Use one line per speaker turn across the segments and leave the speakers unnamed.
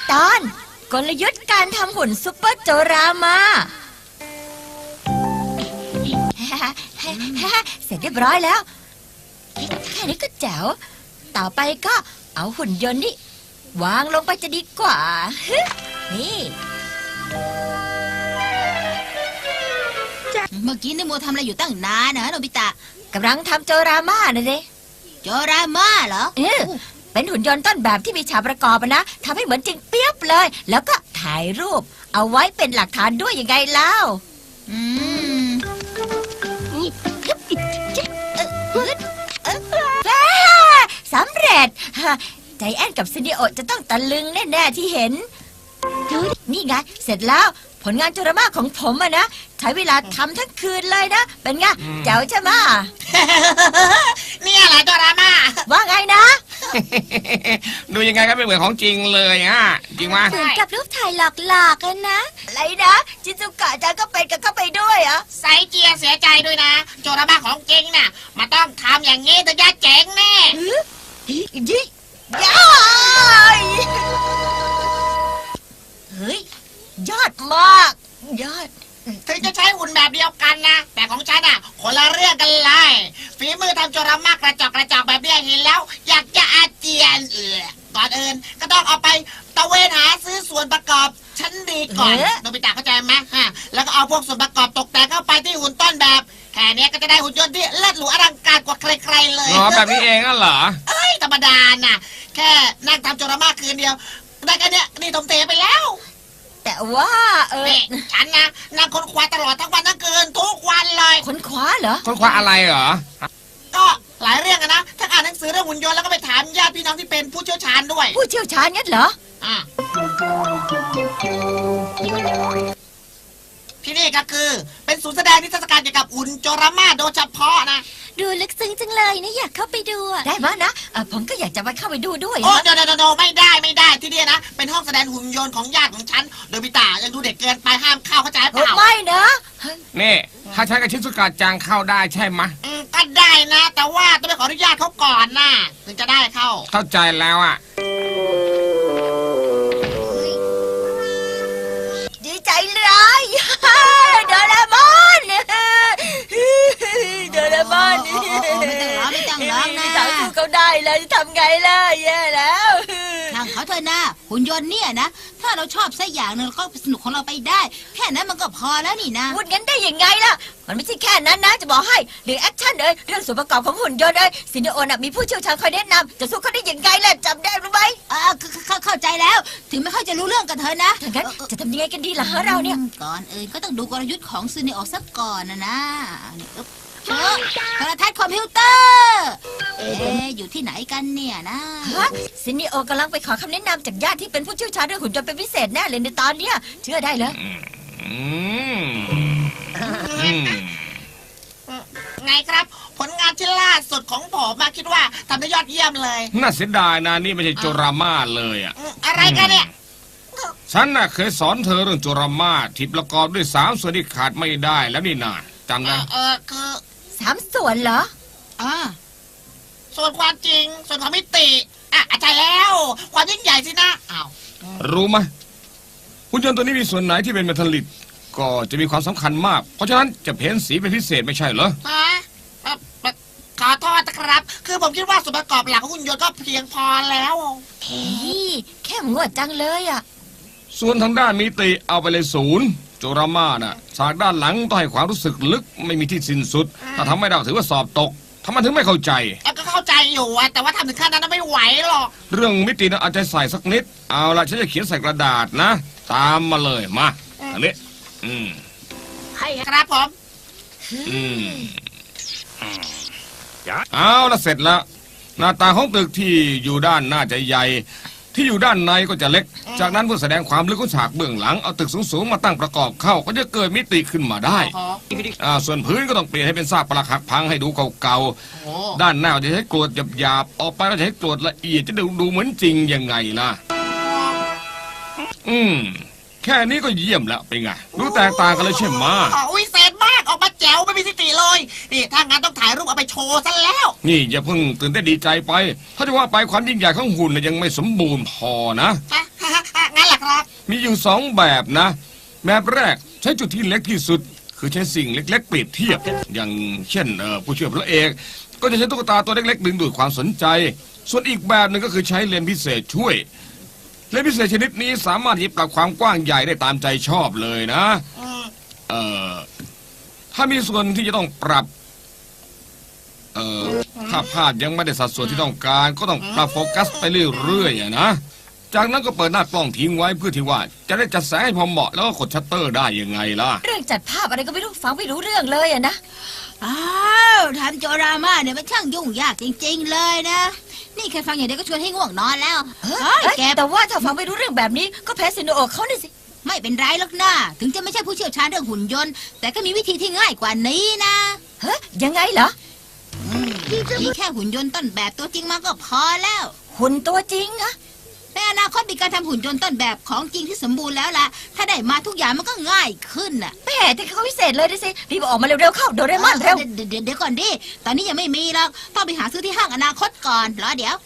ตอนกลยุทธ์การทำหุ่นซุปเปอร์โจรามา เสร็จเรียบร้อยแล้วแค่นี้ก็แจ๋วต่อไปก็เอาหุ่นยนต์นี่วางลงไปจะดีกว่านี่
เมื่อกี้นี่โมทำอะไรอยู่ตั้งนานนะโนบิตะ
กำลังทำโจรามานะเด้
โจรามาเหรอ
เป็นหุ่นยนต์ต้นแบบที่มีฉากประกอบนะทำให้เหมือนจริงเปียบเลยแล้วก็ถ่ายรูปเอาไว้เป็นหลักฐานด้วยยังไงเล่าสำเร็จใจแอนกับซินดิโอจะต้องตะลึงแน่ๆที่เห็นนี่ไงเสร็จแล้วผลงานโจรามาของผมอะนะใช้เวลาทำทั้งคืนเลยนะเป็นไงเจ๋วใช่ไหม
เนี่ยแหละโจรามา
ว่าไงนะ
ดูยังไงก็ไม่เหมือนของจริงเลยฮะจริงไหม
เหมือนกับรูปถ่ายหลอกๆกันนะอะไรนะจิซุกะจะก็เป็นกับเข้าไปด้วยเหรอ
ไซเจียเสียใจด้วยนะโจรามาของจริงน่ะมันต้องทำอย่างงี้ถึงจะเจ๋งแน่
ย้ายเฮ้ยยอดมากยอด
ถึงจะใช้หุ่นแบบเดียวกันนะแต่ของฉันอ่ะคนละเรื่องกันเลยฝีมือทำโจรามากระจอกแบบนี้เห็นแล้วอยากจะอาเจียนก่อนอื่นก็ต้องเอาไปตะเวนหาซื้อส่วนประกอบชั้นดีก่อนโนบิตะเข้าใจไหมแล้วก็เอาพวกส่วนประกอบตกแต่งเข้าไปที่หุ่นต้นแบบแค่นี้ก็จะได้หุ่นยนต์ที่เลิศหรูอลังการกว่าใครๆเลย
อ๋อแบบนี้เองอ่ะเหรอ
ธรรมดาน่ะแค่นั่งทำโจรามากคืนเดียวได้แค่นี้นี่ทมเทไปแล้ว
แต่ว่า
ฉันนะนั่งค้นคว้าตลอดทั้งวันทั้งคืนทุกวันเลย
ค้นคว้าเหรอ
ค้นคว้าอะไรเหรอ
ก็หลายเรื่องนะทั้งอ่านหนังสือเรื่องหุ่นยนต์แล้วก็ไปถามญาติพี่น้องที่เป็นผู้เชี่ยวชาญด้วย
ผู้เชี่ยวชาญงั้นเหรอ
ที่นี่ก็คือเป็นศูนย์แสดงนิทรรศการเกี่ยวกับหุ่นโจรามาโดยเฉพาะนะ
ดูลึกซึ้งจังเลยนะอยากเข้าไปดูได้ไหมนะผมก็อยากจะไปเข้าไปดูด้วย
โอ้เดี๋ยวไม่ได้ที่นี่นะเป็นห้องแสดงหุ่นยนต์ของญาติของฉันโดยพิตายังดูเด็กเกินไปห้ามเข้าเข้าใจเปล่า
ไม่นะ
นี่ถ้าใช้กับชิซุกะจังเข้าได้ใช่ไหม
ก็ได้นะแต่ว่าต้องไปขออนุญาตเขาก่อนนะถึงจะได้
เข้าใจแล้วอ่ะ
ดีใจเลยโดราเอมอนโดราเอมอน
ไม่ต้องร้องนะ
สาวสู้เขาได้แล้วจะทำไงล่ะแย่แล้ว
ช่างเขาเถอะนะหุ่นยนต์เนี่ยนะถ้าเราชอบสักอย่างนึงเราก็สนุกของเราไปได้แค่นั้นมันก็พอแล้วนี่นะ
พูดงั้นได้ยังไงล่ะมันไม่ใช่แค่นั้นนะจะบอกให้เรื่องแอคชั่นเลยเรื่องส่วนประกอบของหุ่นยนต์เลยซินเดโอน่ะมีผู้เชี่ยวชาญคอยแนะนำจะสู้เขาได้ยังไงล่ะจำได้หรือไม่
เข้าใจแล้วถึงไม่ค่อยจะรู้เรื่องกันเธอนะ
งั้นจะทำยังไงกันดีล่ะเราเนี่ย
ก่อนอื่นก็ต้องดูกลยุทธ์ของซินเดโอสักก่อนนะโทรทัศน์คอมพิวเตอร์อยู่ที่ไหนกันเนี่ยนะ
ซินเดโอกำลังไปขอคำแนะนำจากญาติที่เป็นผู้เชี่ยวชาญเรื่องหุ่นยนต์เป็นพิเศษแน่เลยในตอนเนี้ยเชื่อได้เลย
ไงครับผลงานที่ล่าสุดของผมมาคิดว่าทำได้ยอดเยี่ยมเลย
น่าเสียดายนะนี่ไม่ใช่โจรามาเลยอ่ะ
อะไรกันเนี่ย
ฉันน่ะเคยสอนเธอเรื่องโจรามาที่ประกอบด้วย3 ส่วนที่ขาดไม่ได้แล้วนี่นาจำได้
คือ
3 ส่วนเหรอ
ส่วนความจริงส่วนความมิติใช่แล้วความยิ่งใหญ่สินะ
รู้ไหมหุ่นยนต์ตัวนี้มีส่วนไหนที่เป็นเมทัลลิกก็จะมีความสำคัญมากเพราะฉะนั้นจะเพ้นสีเป็นพิเศษไม่ใช่เหรอ
ขอโทษนะครับคือผมคิดว่าส่วนประกอบหลักของหุ่นยนต์ก็เพียงพอแล้ว
แค่งวดจังเลย
ส่วนทางด้านมิติเอาไปเลย0โจรามาน่ะฉากด้านหลังต้องให้ความรู้สึกลึกไม่มีที่สิ้นสุดถ้าทำไม่ได้ถือว่าสอบตกทำไมถึงไม่เข้าใจ
ก็เข้าใจอยู่แต่ว่าทำถึงขั้นนั้นไม่ไหวหรอก
เรื่องมิตินะอาจจะใส่สักนิดเอาละฉันจะเขียนใส่กระดาษนะตามมาเลยมาอันนี้
ให้ครับผม
เอาละเสร็จแล้วหน้าตาของตึกที่อยู่ด้านหน้าจะใหญ่ที่อยู่ด้านในก็จะเล็กจากนั้นเพื่อแสดงความลึกของฉากเบื้องหลังเอาตึกสูงๆมาตั้งประกอบเข้าก็จะเกิดมิติขึ้นมาได้ส่วนพื้นก็ต้องเปลี่ยนให้เป็นซากปรักหักพังให้ดูเก่าๆด้านหน้าจะใช้กรวดหยาบๆออกไปแล้วจะใช้กรวดละเอียดจะดูเหมือนจริงยังไงล่ะแค่นี้ก็เยี่ยมแล้วเป็นไงดูแตกต่างกันเลยใช่ไหม
วิเศษมากออกมาแจ๋วไม่มีทิฏฐิเลยนี่ถ้างั้นต้องถ่ายรูปเอาไปโชว์ซะแล้ว
นี่อย่าเพิ่งตื่นเต้นดีใจไปถ้าจะว่าไปความยิ่งใหญ่ของหุ่นยังไม่สมบูรณ์พอนะ
งั้นครับ
มีอยู่สองแบบนะ แบบแรกใช้จุดที่เล็กที่สุด คือใช้สิ่งเล็กๆเปรียบเทียบ อย่างเช่นผู้ช่วยพระเอกก็จะใช้ตุ๊กตาตัวเล็กๆดึงดูดความสนใจ ส่วนอีกแบบหนึ่งก็คือใช้เลนส์พิเศษช่วยเลนส์พิเศษชนิดนี้สามารถที่จะปรับความกว้างใหญ่ได้ตามใจชอบเลยนะ
อืม
เอ่อถ้ามีส่วนที่จะต้องปรับถ้าภาพยังไม่ได้สัดส่วนที่ต้องการ ก็ต้องปรับโฟกัสไปเรื่อยๆอะนะจากนั้นก็เปิดหน้ากล้องทิ้งไว้เพื่อที่ว่าจะได้จัดแสงให้พอเหมาะแล้วก็กดชัตเตอร์ได้ยังไงล่ะ
เรื่องจัดภาพอะไรก็ไม่รู้ฟังไม่รู้เรื่องเลยอะนะ
อ้าวทำโจรามาเนี่ยมันช่างยุ่งยากจริงๆเลยนะ นี่แค่ฟังอย่างเดียวก็ชวนให้ง่วงนอนแล้ว
เอ้
เฮ้ย
ย
แก
แต่ว่าถ้าฟังไม่รู้เรื่องแบบนี้ก็แพ้ซินโนโอะเขาเนี่ยสิ
ไม่เป็นไรหรอกนะถึงจะไม่ใช่ผู้เชี่ยวชาญเรื่องหุ่นยนต์ แต่ก็มีวิธีที่ง่ายกว่านี้นะ
เฮ้ยยังไงเหรอ
มีแค่หุ่นยนต์ต้นแบบตัวจริงมาก็พอแล้ว
หุ่นตัวจริงอะ
ในอนาคตมีการทำหุ่นยนต์ต้นแบบของจริงที่สมบูรณ์แล้วล่ะ ถ้าได้มาทุกอย่างมันก็ง่ายขึ้นน่ะ
แม่แต่เขาพิเศษเลยนะสิรีบออกมาเร็วๆเข้าโดเรมอนเร็ว
เดี๋ยวก่อนดิ ตอนนี้ยังไม่มีหรอก ต้องไปหาซื้อที่ห้างอนาคตก่อน รอเดี๋ยว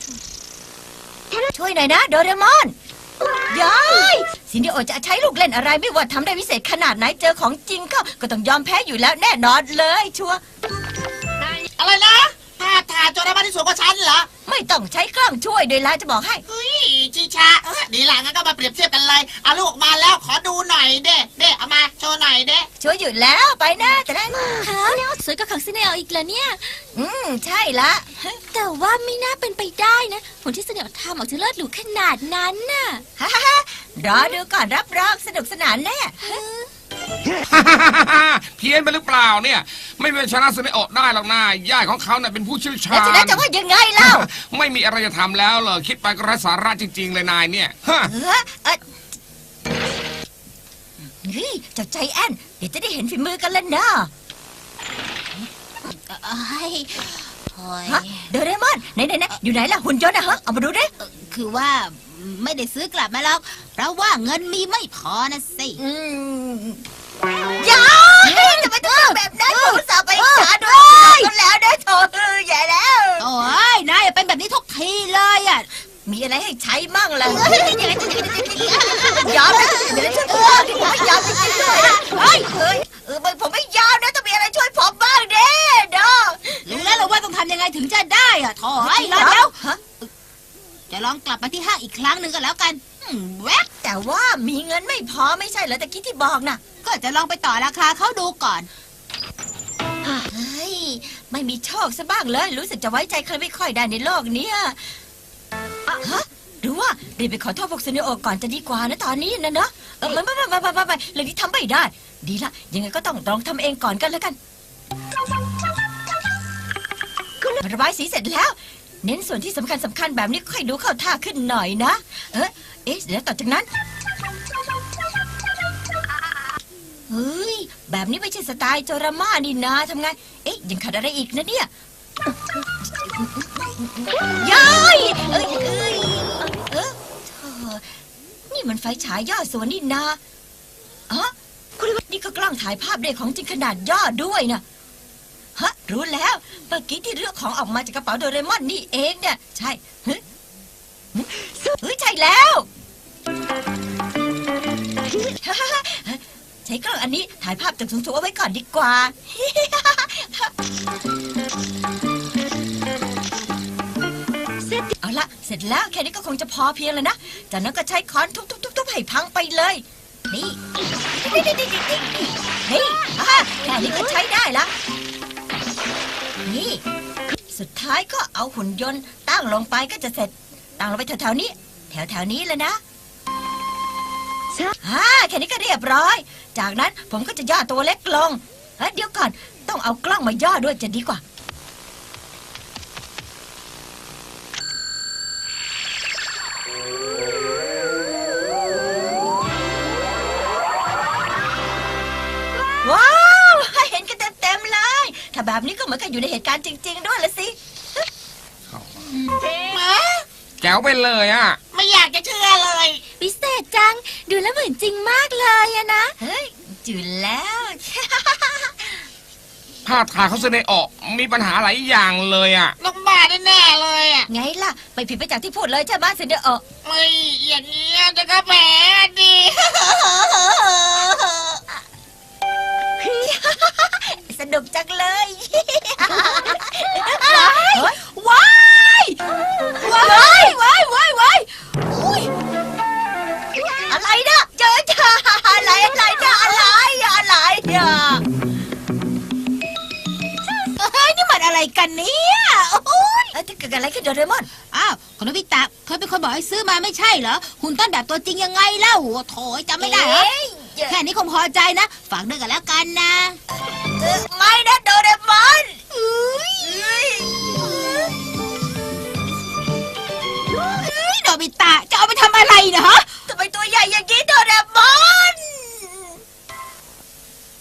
ช่วยหน่อยนะโดเรมอนยายซินโนโอะจะใช้ลูกเล่นอะไรไม่ว่าทำได้พิเศษขนาดไหนเจอของจริงก็ต้องยอมแพ้อยู่แล้วแน่นอนเลยชัวร์
อะไรนะภาพถ่ายโจรมาที่สวนของฉันเหรอ
ไม่ต้องใช้กล้องช่วยด้วยละจะบอกให้
เฮ้ยชิชาดีละงั้นก็มาเปรียบเทียบกันเลยเอาลูกออกมาแล้วขอดูหน่อยเด้เอามาโชว์หน่อยเด้
ช่วยหยุดแล้วไปนะจะได้
ฮะสวยกว่าของซินเนลอีกแล้วเนี่ย
ใช่ละ
แต่ว่าไม่น่าเป็นไปได้นะ ผลที่ซินเนลทำออกจะเลิศหรูขนาดนั้นน่ะ
ฮ่าฮ่าฮ่ารอดูก่อนรับรองสนุกสนานแน่
เพี้ยนไปหรือเปล่าเนี่ย ไม่เป็นชนะซึเนโอะได้หรอกนะญาติของเขาเนี่ยเป็นผู้เชี่ยวชา
แล้ว
ญ
จะได้จะว่ายังไงเล่า
ไม่มีอะไรจะทำแล้วเหรอคิดไปก็ไร้สาระจริง ๆ เลยนายเนี่ยฮะ
เฮ้ยเจ้าใจแอนเดี๋ยวจะได้เห็นฝีมือกันแล้วนะ
เอ้ยโอ้ย
ฮะโดเรมอนไหนอยู่ไหนล่ะหุ่นยนต์อะฮะเอามาดูดิ
คือว่าไม่ได้ซื้อกลับมาหรอก เพราะว่าเงินมีไม่พอนะสิ
ยายจะไปทำแบบนั้นผมสาวไปหาด้วยกันแล้วนะโถใหญ่แล้ว
โอ้ยนายอย่าเป็นแบบนี้ทุกทีเลยอ่ะ
มีอะไรให้ใช้มั่งล่ะยอมนะเดี๋ยวช่วยผมบ้างดิผมไม่ยอมจริงๆด้วยผมไม่ยอมนะต้องมีอะไรช่วยผมบ้างเด้เด้อ
รู้แล้วเหรอว่าต้องทำยังไงถึงจะได้อ่ะโถ่เอ้ยรอเดี๋ยวจะลองกลับมาที่ห้างอีกครั้งหนึ่งก็แล้วกันแวบ
แต่ว่ามีเงินไม่พอไม่ใช่เหรอตะกี้ที่บอกน่ะ
ก็จะลองไปต่อราคาเขาดูก่อน
เฮ้ยไม่มีโชคซะบ้างเลยรู้สึกจะไว้ใจใครไม่ค่อยได้ในโลกเนี้ยฮะหรือว่ารีบไปขอโทษพวกซินโนโอะก่อนจะดีกว่านะตอนนี้นะเนาะไม่เรื่องที่ทำไม่ได้ ดีละยังไงก็ต้องลองทำเองก่อนกันแล้วกันระบายสีเสร็จแล้ว เน้นส่วนที่สำคัญแบบนี้ค่อยดูเข้าท่าขึ้นหน่อยนะแล้วต่อจากนั้นเฮ้ยแบบนี้ไม่ใช่สไตล์โจราม่านี่นาทำไงยังขาดอะไรอีกนะเนี่ยย้ายนี่มันไฟฉายย่อส่วนนี่นานี่ก็กล้องถ่ายภาพเด็กของจริงขนาดย่อด้วยนะรู้แล้วเมื่อกี้ที่เลือกของออกมาจากกระเป๋าโดเรมอนนี่เองเนี่ยใช่ใช่แล้วใช้กล้องอันนี้ถ่ายภาพจากสูงๆเอาไว้ก่อนดีกว่าเอาละเสร็จแล้วแค่นี้ก็คงจะพอเพียงแล้วนะจากนั้นก็ใช้ค้อนทุบๆๆให้พังไปเลยนี่แค่นี้ก็ใช้ได้ละนี่สุดท้ายก็เอาหุ่นยนต์ตั้งลงไปก็จะเสร็จตั้งลงไปแถวๆนี้แถวๆนี้เลยนะแค่นี้ก็เรียบร้อย จากนั้นผมก็จะย่อตัวเล็กลงเดี๋ยวก่อนต้องเอากล้องมาย่อด้วยจะดีกว่าว้าวเห็นกันเต็มๆเลยถ้าแบบนี้ก็เหมือนกับอยู่ในเหตุการณ์จริงๆด้วยละสิ
แจ๋วไปเลยอ่ะ
ไม่อยากจะเชื่อเลย
พิเศษจัง ดูแล้วเหมือนจริงมากเลยอะนะ
เฮ้ยจุดแล้ว
ภาพถ่ายเขาซึเนโอะมีปัญหาหลายอย่างเลยอ่ะ
ต้องบ้าแน่ๆเลยอ่ะ
ไงล่ะไม่ผิดไปจากที่พูดเลยใช่ไหมซินเดอร์
ไม่อย่างเงี้ยจะก็แผลดี
สนุกจังเลย
ว้ายว้ายว้ายว้ายว้ายอุ้ย
อะไรนะเจออะไรนะอะไรเนี่ย
เฮ้ยนี่มันอะไรกันเนี่ยโอ้ย
จะเกิดอะไรขึ้นโดเรมอน
อ้าวคุณโนบิตะเคยเป็นคนบอกให้ซื้อมาไม่ใช่เหรอหุ่นต้นแบบตัวจริงยังไงเล่าโถยจำไม่ได้เหรอแค่นี้คงพอใจนะฝากด้วยกันแล้วกันนะ
ไม่